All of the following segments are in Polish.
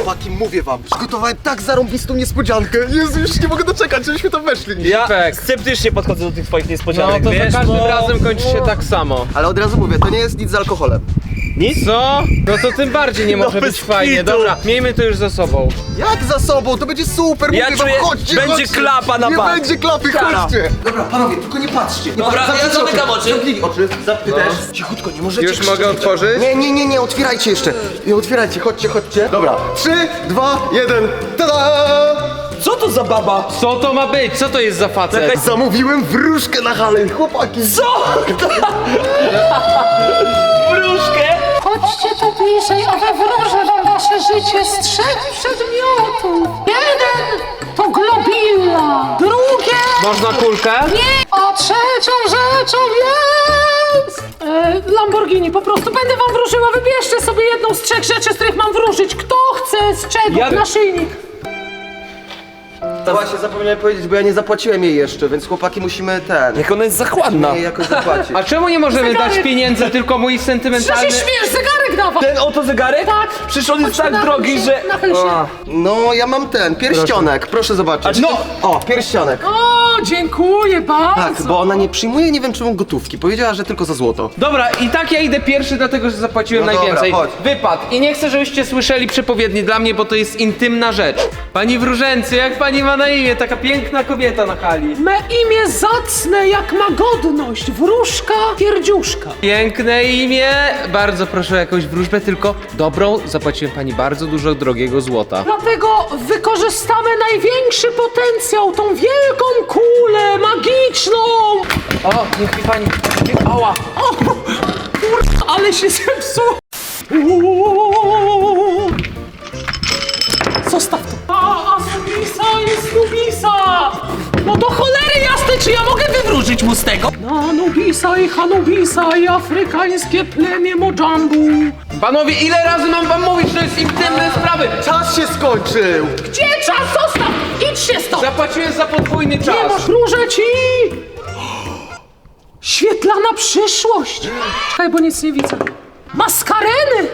Chłopaki, mówię wam, przygotowałem tak zarąbistą niespodziankę. Jezu, już nie mogę doczekać, żebyśmy tam weszli. Ja Tak. sceptycznie podchodzę do tych twoich No niespodzianek, to wiesz? za każdym bo- razem kończy się tak samo. Ale od razu mówię, to nie jest nic z alkoholem. Nic? Co? No to tym bardziej nie może bez być fajnie. kitu. Dobra, miejmy to już za sobą. Jak za sobą? To będzie super, Ja mówię czuję, wam, chodźcie, będzie chodźcie. klapa na Nie bank. będzie klapy, Kara. chodźcie. Dobra, panowie, tylko nie patrzcie. Nie Dobra, patrzcie, ja zamykam oczy. Zamknij oczy, ty też. Cichutko, nie możecie Już krzyczeć. mogę otworzyć? Nie, otwierajcie jeszcze. Nie otwierajcie, chodźcie. Dobra, 3, 2, 1, tada! Co to za baba? Co to ma być? Co to jest za facet? Zamówiłem wróżkę na halę, chłopaki. Co? Wróżkę? Chodźcie tu bliżej, a wywróżę wam wasze życie z 3 przedmiotów. Jeden to globilla, drugie Można kulkę? nie, a trzecią rzeczą jest... Lamborghini, po prostu będę wam wróżyła, wybierzcie sobie jedną z 3 rzeczy, z których mam wróżyć. Kto chce, z czego? Ja- Naszyjnik. Właśnie zapomniałem powiedzieć, bo ja nie zapłaciłem jej jeszcze, więc chłopaki musimy Jak ona jest zachładna. jej jakoś zapłacić. A czemu nie możemy Zegarek. dać pieniędzy, tylko mój Co się sentymentalny... śmiesz, zegarek dawaj. Ten oto zegarek? Tak. Przecież on jest Chodź, tak nachyl drogi, się, że... nachyl się. A. No, ja mam ten, pierścionek, proszę zobaczyć. No! O, pierścionek. O, dziękuję bardzo. Tak, bo ona nie przyjmuje, nie wiem czemu, gotówki. Powiedziała, że tylko za złoto. Dobra, i tak ja idę pierwszy, dlatego że zapłaciłem No dobra, najwięcej. chodź. Wypad. I nie chcę, żebyście słyszeli przepowiedni dla mnie, bo to jest intymna rzecz. Pani wróżęcy, jak pani ma na imię? Taka piękna kobieta na hali. Me imię zacne jak ma godność, wróżka pierdziuszka. Piękne imię. Bardzo proszę o jakąś wróżbę, tylko dobrą. Zapłaciłem pani bardzo dużo drogiego złota. Dlatego wykorzystamy największy potencjał, tą wielką kulę magiczną. O, niech mi pani... Ała. O, kur... ale się zepsuł. Uuu. Zostaw to. A Nubisa jest Nubisa. No do cholery jasnej, czy ja mogę wywróżyć mu z tego? Na Nubisa i Hanubisa i afrykańskie plemię Mojambu. Panowie, ile razy mam wam mówić, że to jest intymne sprawy? Czas się skończył! Gdzie czas? Zostaw! Idź się stąd! Zapłaciłem za podwójny czas. Nie masz, wróżę ci! Świetlana przyszłość! Czekaj, bo nic nie widzę. Maskareny!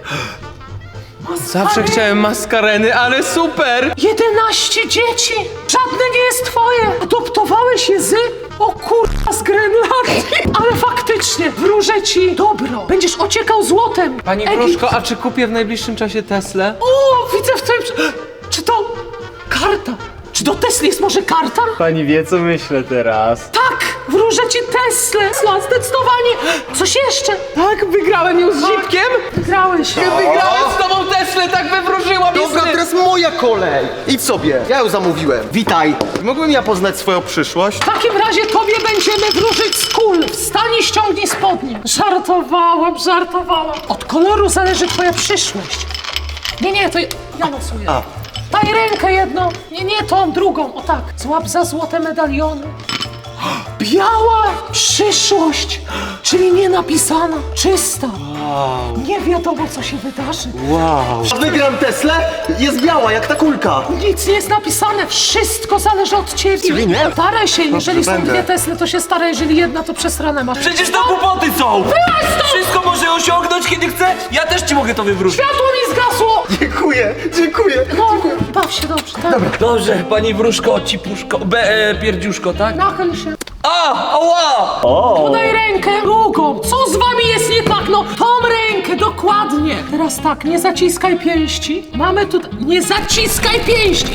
Zawsze chciałem maskareny, ale super! 11 dzieci! Żadne nie jest twoje! Adoptowałeś je z... O kurwa, z Grenlandii! Ale faktycznie, wróżę ci dobro! Będziesz ociekał złotem! Pani Egipt. Wróżko, a czy kupię w najbliższym czasie Teslę? O, widzę w twoim... Czy to... karta? Czy do Tesli jest może karta? Pani wie, co myślę teraz. Tak! Wróżę ci Teslę! Tesla, zdecydowanie! Coś jeszcze? Tak, wygrałem ją z Zipkiem? Wygrałeś! Wygrałem z tobą Teslę, tak wywróżyła mi Dobra, sny. teraz moja kolej! Idź sobie, ja ją zamówiłem. Witaj! Mógłbym ja poznać swoją przyszłość? W takim razie tobie będziemy wróżyć z kul. Wstań i ściągnij spodnie. Żartowałam. Od koloru zależy twoja przyszłość. Nie, to ja losuję. Daj rękę jedną. Nie, tą drugą. O tak. Złap za złote medaliony. Biała przyszłość, czyli nienapisana, czysta. Nie wiadomo, co się wydarzy. Wygram Teslę? Jest biała, jak ta kulka. Nic nie jest napisane, wszystko zależy od ciebie. Czyli nie? Staraj się, jeżeli są będę. 2 Tesle, to się staraj, jeżeli jedna, to przesrane masz. Przecież to głupoty są! Wyłaź stąd! Wszystko może osiągnąć, kiedy chce. Ja też ci mogę to wywrócić. Światło mi zgasło! Dziękuję. No, baw się dobrze, tak? Dobrze, pani wróżko, cipuszko, pierdziuszko, tak? Nachyl się. Ała! Podaj rękę drugą. Co z wami jest nie tak? No, tą rękę, dokładnie. Teraz tak, nie zaciskaj pięści. Mamy tutaj... Nie zaciskaj pięści!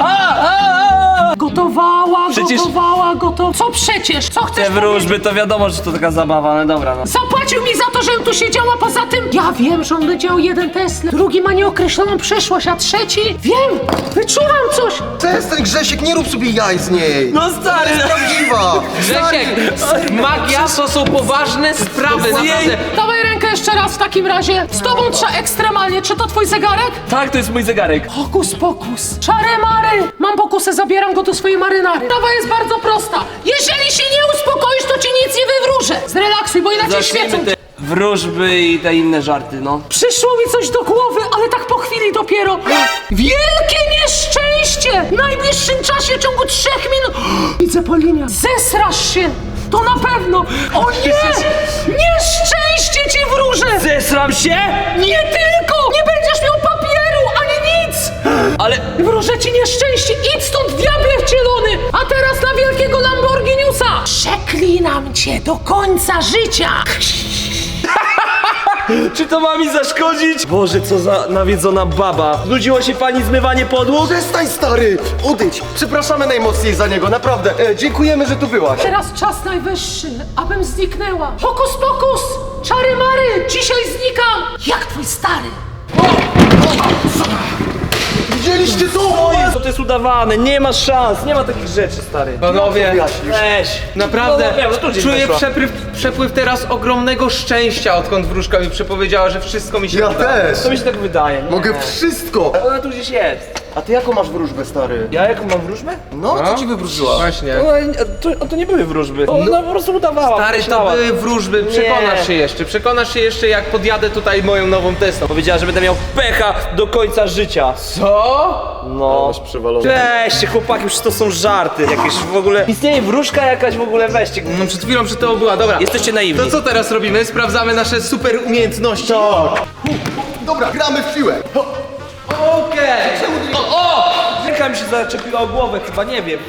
Gotowała. Co przecież? Co chcesz Te wróżby, to wiadomo, że to taka zabawa, ale dobra, no. Zapłacił mi za to, żebym tu siedziała, poza tym ja wiem, że on będzie miał 1 Tesla, drugi ma nieokreśloną przyszłość, a trzeci... Wiem! Wyczuwam coś! Przestań, Grzesiek, nie rób sobie jaj z niej. No stary, Prawdziwa. Grzesiek, magia to są poważne sprawy, naprawdę. Dawaj rękę jeszcze raz w takim razie. Z tobą trzeba ekstremalnie. Czy to twój zegarek? tak, to jest mój zegarek. Hokus pokus. Czary mary. Mam pokusę, zabieram go do swojej marynary. Sprawa jest bardzo prosta. Jeżeli się nie uspokoisz, to ci nic nie wywróżę. Zrelaksuj, bo inaczej świecą. Zacznijmy te wróżby i te inne żarty, no. Przyszło mi coś do głowy, ale tak po chwili dopiero. Wielkie nieszczęście! W najbliższym czasie, w ciągu 3 minut... Widzę po liniach. Zesrasz się! To na pewno! O nie! Nieszczęście ci wróżę! Zesram się? Nie tylko! Nie będziesz miał papieru, ani nic! Ale... Wróżę ci nieszczęście, idź stąd, diable wcielony! A teraz na wielkiego Lamborghiniusa! Przeklinam cię do końca życia! Czy to ma mi zaszkodzić? Boże, co za nawiedzona baba. Znudziło się pani zmywanie podłóg? Przestań, stary! Odejdź! Przepraszamy najmocniej za niego, naprawdę. Dziękujemy, że tu byłaś. Teraz czas najwyższy, abym zniknęła. Hokus pokus! Czary mary! Dzisiaj znikam! Jak twój stary! Widzieliście to? To jest udawane, nie ma szans, nie ma takich rzeczy, stary. Panowie, Weź. naprawdę No, tu gdzieś czuję weszła. przepływ teraz ogromnego szczęścia, odkąd wróżka mi przepowiedziała, że wszystko mi się Ja uda. też. To mi się tak wydaje. Nie. Mogę wszystko. Ona tu gdzieś jest. A ty jaką masz wróżbę, stary? Ja jaką mam wróżbę? No, co ci wywróżyła? Właśnie. To nie były wróżby. Ona po prostu udawała. Stary, to myślała. były wróżby, przekonasz się jeszcze jak podjadę tutaj moją nową Teslą. Powiedziała, że będę miał pecha do końca życia. Co? No. Masz przewalone. Weźcie, chłopaki, już to są żarty jakieś w ogóle. Istnieje wróżka jakaś w ogóle, weźcie. No przed chwilą przy to była, dobra. Jesteście naiwni. To co teraz robimy? Sprawdzamy nasze super umiejętności. Tak. Dobra, gramy w siłę. Okej. O! Ręka mi się zaczepiła o głowę, chyba nie wiem.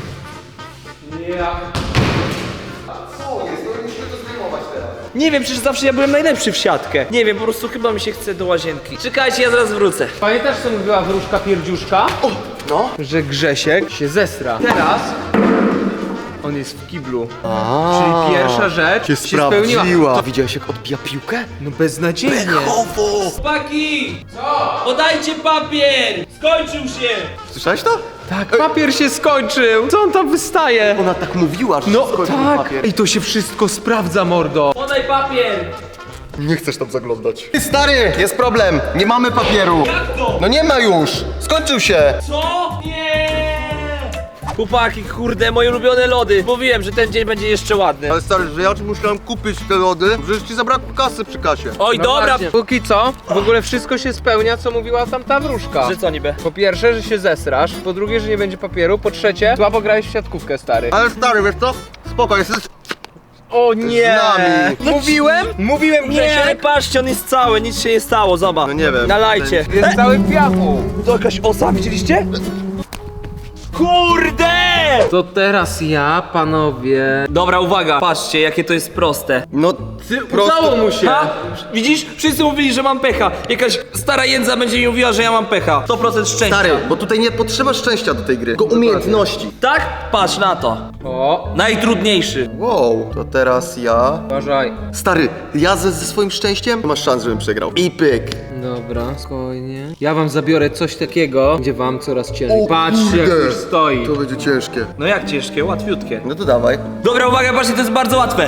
Co jest? No musimy to zdejmować teraz. Nie wiem, przecież zawsze ja byłem najlepszy w siatkę. Nie wiem, po prostu chyba mi się chce do łazienki. Czekajcie, ja zaraz wrócę. Pamiętasz, co mówiła wróżka pierdziuszka? No. Że Grzesiek się zestra. Teraz on jest w kiblu. Czyli pierwsza rzecz się spełniła. To widziałeś, jak odbija piłkę? No beznadziejnie. Chłopaki! Co? Podajcie papier! Skończył się! Słyszałeś to? Tak, papier się skończył. Co on tam wystaje? Ona tak mówiła, że No się skończył tak. papier. I to się wszystko sprawdza, mordo. Podaj papier! Nie chcesz tam zaglądać. Ty, stary, jest problem. Nie mamy papieru. Jak to? No nie ma już. Skończył się. Co? Nie! Chłopaki, kurde, moje ulubione lody. Mówiłem, że ten dzień będzie jeszcze ładny. Ale stary, że ja ci musiałem kupić te lody, że ci zabrakło kasy przy kasie. Oj, No dobra! właśnie. Póki co, w ogóle wszystko się spełnia, co mówiła tamta wróżka. Że co niby? Po pierwsze, że się zesrasz, po drugie, że nie będzie papieru, po trzecie, słabo grałeś w siatkówkę, stary. Ale stary, wiesz co? Spoko, jesteś O nie! z nami. Mówiłem, Nie, Grzesiek. patrzcie, on jest cały, nic się nie stało, zobacz. No nie wiem. Nalajcie. Jest cały w piachu. To jakaś osa, widzieliście? Kurde! To teraz ja, panowie... Dobra, uwaga, patrzcie, jakie to jest proste. No, Udało mu się. Ha? Widzisz? Wszyscy mówili, że mam pecha. Jakaś stara jędza będzie mi mówiła, że ja mam pecha. 100% szczęścia. Stary, bo tutaj nie potrzeba szczęścia do tej gry, tylko umiejętności. Tak? Patrz na to. O, Najtrudniejszy. Wow, to teraz ja... uważaj. Stary, ja ze swoim szczęściem nie masz szans, żebym przegrał. I pyk. Dobra, spokojnie. Ja wam zabiorę coś takiego, gdzie wam coraz ciężej. O Patrzcie, jak kurde. już stoi. To będzie ciężkie. No jak ciężkie, łatwiutkie. No to dawaj. Dobra, uwaga, patrzcie, to jest bardzo łatwe.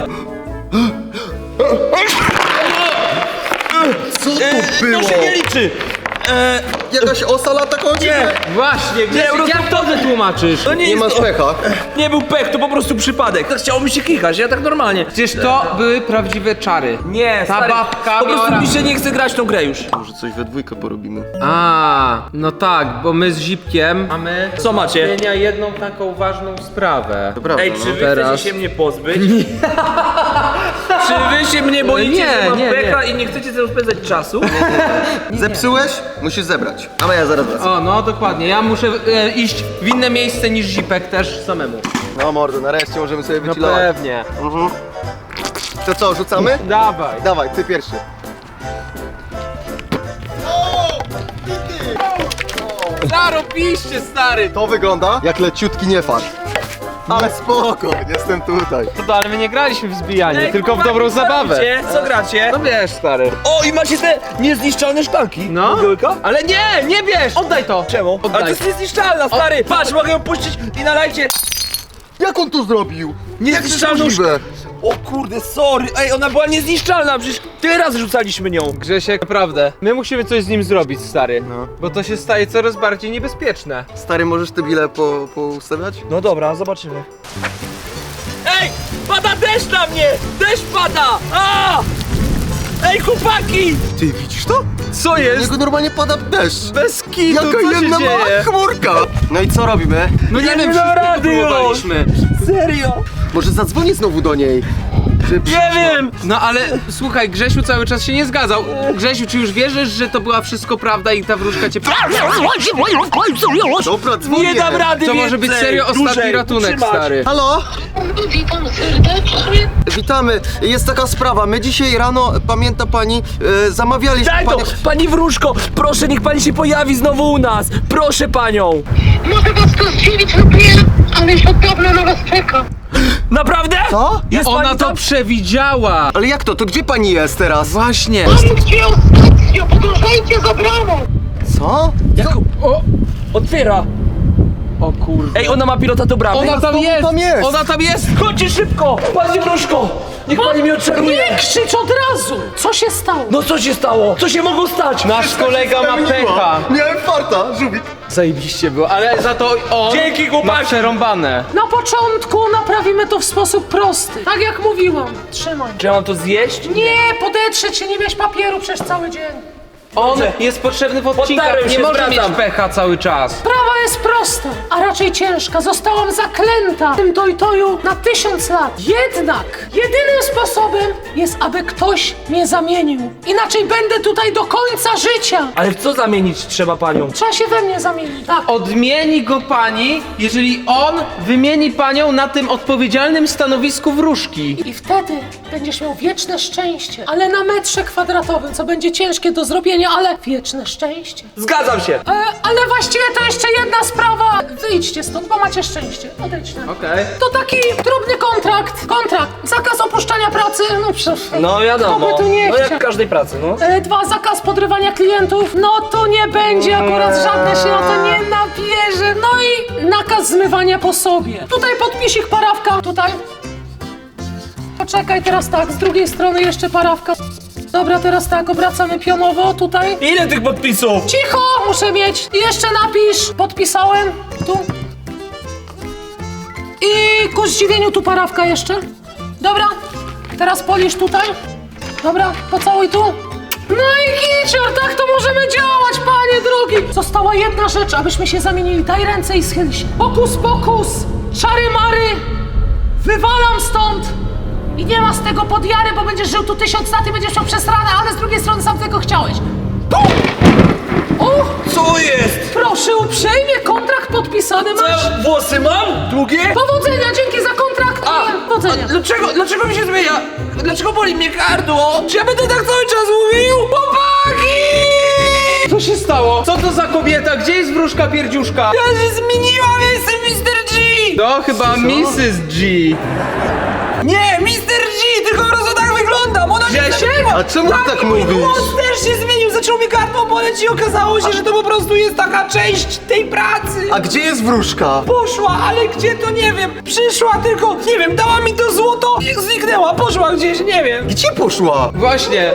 Co to było? To się nie liczy. Jakaś osa lata kończy? Nie. Właśnie, Grzesiek, po prostu jak to wytłumaczysz? To nie Nie jest masz to. pecha. Nie był pech, to po prostu przypadek. Tak chciało mi się kichać, ja tak normalnie. Przecież to były prawdziwe czary. Nie, Ta stary, babka po prostu miała mi się nie chce grać w tą grę już. Może coś we dwójkę porobimy. A, no tak, bo my z Zipkiem mamy Co macie? zmienia jedną taką ważną sprawę. To prawda, Ej, no. czy wy Teraz. chcecie się mnie pozbyć? Czy wy się mnie boicie, Nie, że mam nie, pecha i nie chcecie ze mną spędzać czasu? Zepsułeś? Musisz zebrać. A ja zaraz wracam. O, no dokładnie, ja muszę iść w inne miejsce niż Zipek też samemu. No mordo, nareszcie możemy sobie No wychillować. pewnie. To co, rzucamy? Dawaj. Dawaj, ty pierwszy. Zarobiście, stary! To wygląda jak leciutki niefart. Ale spoko, jestem tutaj. No ale my nie graliśmy w zbijanie, Ej, tylko w chłopaki, dobrą co zabawę. robicie? Co gracie? No wiesz, stary. O, i macie te niezniszczalne szklanki. No. Pudełka? Ale nie bierz! Oddaj to! Czemu? Oddaj. Ale to jest niezniszczalna, stary! Patrz, mogę ją puścić i nalajcie Jak on to zrobił? niezniszczalną możliwe? O kurde, sorry! Ej, ona była niezniszczalna, przecież tyle razy rzucaliśmy nią. Grzesiek, naprawdę, my musimy coś z nim zrobić, stary. No. Bo to się staje coraz bardziej niebezpieczne. Stary, możesz te bile poustawiać? No dobra, zobaczymy. Ej! Pada deszcz na mnie! Deszcz pada! A! Ej, chłopaki! Ty widzisz to? Co Na jest? niego normalnie pada deszcz. Bez kitu, Jaka co się jedna mała dzieje? chmurka. No i co robimy? No nie Ja wiem, nie dam wszyscy rady już. próbowaliśmy. Serio? Może zadzwonię znowu do niej. Nie wiem! No ale słuchaj, Grzesiu cały czas się nie zgadzał. Grzesiu, czy już wierzysz, że to była wszystko prawda i ta wróżka cię... Dobra, dzwonię. Nie dam rady To może być więcej. serio ostatni Dłużej ratunek, utrzymać. stary. Halo? Witam serdecznie. Witamy. Jest taka sprawa. My dzisiaj rano, pamięta pani, zamawialiśmy Daj to! pani... Pani wróżko, proszę, niech pani się pojawi znowu u nas! Proszę panią! Może was to zdziwić lub nie, ale już od dawna na was czekam. Naprawdę? Co? Jest Ona pani to tam? przewidziała. Ale jak to? To gdzie pani jest teraz? Właśnie. Mam gdzie ostatnio, podążajcie za bramą. Co? Jak... O! Otwiera! O kurde. Ej, ona ma pilota do bramy! Ona tam znowu jest! tam jest. Ona tam jest! Chodźcie szybko! Pani wróżko! Niech pani mnie odczaruje! Nie krzycz od razu! Co się stało? No co się stało? Co się mogło stać? Nasz kolega ma pecha. Miałem farta, żółwik. Zajebiście było, ale za to on Dzięki, ma chłopaki. przerąbane. Na początku naprawimy to w sposób prosty. Tak jak mówiłam. Trzymaj. Czy ja mam to zjeść? Nie, podetrzeć się, nie mieć papieru przez cały dzień. On jest potrzebny w odcinkach, Potarłem nie się, może mieć zwracam. pecha cały czas. Sprawa jest prosta, a raczej ciężka. Zostałam zaklęta w tym dojtoju na 1000 lat. Jednak jedynym sposobem jest, aby ktoś mnie zamienił. Inaczej będę tutaj do końca życia. Ale w co zamienić trzeba panią? Trzeba się we mnie zamienić. Tak. Odmieni go pani, jeżeli on wymieni panią na tym odpowiedzialnym stanowisku wróżki. I wtedy będziesz miał wieczne szczęście. Ale na metrze kwadratowym, co będzie ciężkie do zrobienia, ale wieczne szczęście. Zgadzam się! Ale właściwie to jeszcze jedna sprawa. Wyjdźcie stąd, bo macie szczęście. Odejdźcie. Okej. To taki drobny kontrakt. Kontrakt. Zakaz opuszczania pracy. No przecież. No wiadomo, Kto by tu nie no chciał? jak w każdej pracy, no. 2. Zakaz podrywania klientów. No to nie będzie akurat żadne się na to nie nabierze. No i nakaz zmywania po sobie. Tutaj podpisik, parawka. Tutaj. Poczekaj, teraz tak. Z drugiej strony jeszcze parawka. Dobra, teraz tak. Obracamy pionowo. Tutaj. Ile tych podpisów? Cicho! Muszę mieć. I jeszcze napisz. Podpisałem. Tu. I ku zdziwieniu tu parawka jeszcze. Dobra. Teraz polisz tutaj. Dobra, pocałuj tu. No i kicior, tak to możemy działać, panie drogi. Została jedna rzecz, abyśmy się zamienili. Daj ręce i schyl się. Pokus, pokus. Czary mary. Wywalam stąd. I nie ma z tego podjary, bo będziesz żył tu 1000 lat i będziesz miał przesrane, ale z drugiej strony sam tego chciałeś. Pum! O! Co jest? Proszę uprzejmie, kontrakt podpisany Co masz. ja włosy mam? Długie? Powodzenia, dzięki za kontrakt. Powodzenia. Dlaczego mi się zmienia? Dlaczego boli mnie gardło? Czy ja będę tak cały czas mówił? Chłopaki! Co się stało? Co to za kobieta? Gdzie jest wróżka pierdziuszka? Ja się zmieniłam, ja jestem Mr. G! To chyba Mrs. G. Nie, Mr. G, tylko po prostu tak wyglądam, ona się Grzesiek? zmieniła! A czemu ty tak i mój mówisz? głos też się zmienił, zaczął mi gardło boleć i okazało się, że to po prostu jest taka część tej pracy! A gdzie jest wróżka? Poszła, ale gdzie to nie wiem, przyszła tylko, nie wiem, dała mi to złoto i zniknęła, poszła gdzieś, nie wiem. Gdzie poszła? Właśnie.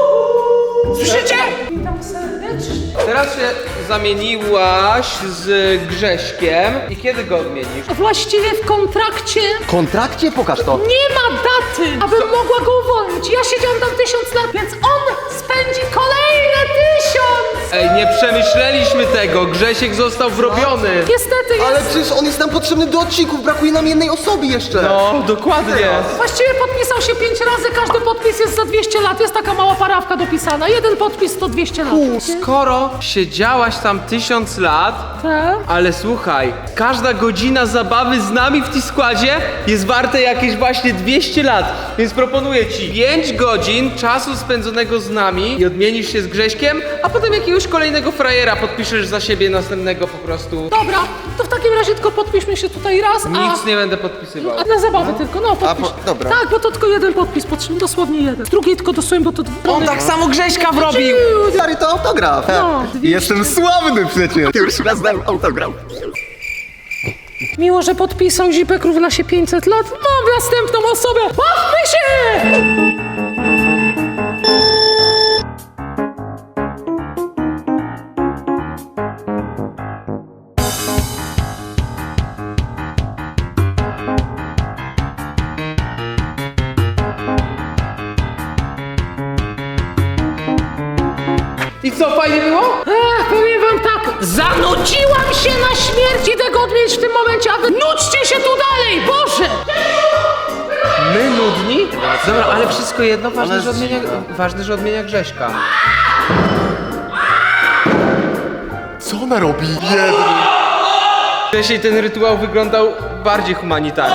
Słyszycie? Witam serdecznie. Teraz się zamieniłaś z Grześkiem. I kiedy go odmienisz? Właściwie w kontrakcie W kontrakcie? Pokaż to. nie ma daty, abym mogła go uwolnić. Ja siedziałam tam 1000 lat, więc on spędzi kolejne 1000! Ej, nie przemyśleliśmy tego. Grzesiek został wrobiony. Niestety jest... Ale przecież on jest nam potrzebny do odcinków, brakuje nam jednej osoby jeszcze. No, dokładnie. Właściwie podpisał się 5 razy, każdy podpis jest za 200 lat. Jest taka mała parawka dopisana. Jeden podpis to 200 lat. Skoro siedziałaś tam 1000 lat, Tak? ale słuchaj, każda godzina zabawy z nami w T-Składzie jest warte jakieś właśnie 200 lat. Więc proponuję ci 5 godzin czasu spędzonego z nami i odmienisz się z Grześkiem, a potem jakiegoś kolejnego frajera podpiszesz za siebie następnego po prostu. Dobra, to w takim razie tylko podpiszmy się tutaj raz, a... Nic nie będę podpisywał. A na zabawę tylko, no podpisz. dobra. Tak, bo to tylko jeden podpis potrzebny, dosłownie jeden. Drugi tylko dosłownie, bo to... On tak samo Grześka wrobił. Stary, to autograf. No, 200. Jestem sławny przecież. Już raz dałem autograf. Miło, że podpisał Zipek równa się 500 lat. Mam następną osobę. Bawmy się! I co, fajnie było? Powiem wam tak, zanudziłam się na śmierć, idę go odmienić w tym momencie, a wy nudźcie się tu dalej, Boże! My nudni? Dobra, ale wszystko jedno, ważne, że odmienia Grześka. Co ona robi? Wcześniej ten rytuał wyglądał bardziej humanitarnie.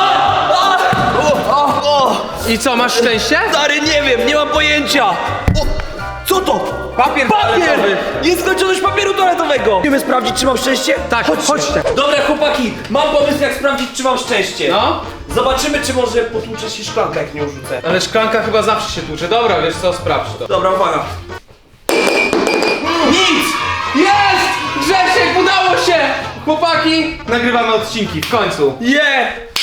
I co, masz szczęście? Stary, nie wiem, nie mam pojęcia! Co to? Papier Papier! toaletowy. Nieskończoność papieru toaletowego! Chcemy sprawdzić, czy mam szczęście? Tak, chodźcie. Dobra, chłopaki, mam pomysł, jak sprawdzić, czy mam szczęście. No? Zobaczymy, czy może potłucze się szklanka, jak nią rzucę. Ale szklanka chyba zawsze się tłucze. Dobra, wiesz co, sprawdź to. Dobra, uwaga. Nic! Jest! Grzesiek, udało się! Chłopaki, nagrywamy odcinki, w końcu. Nie!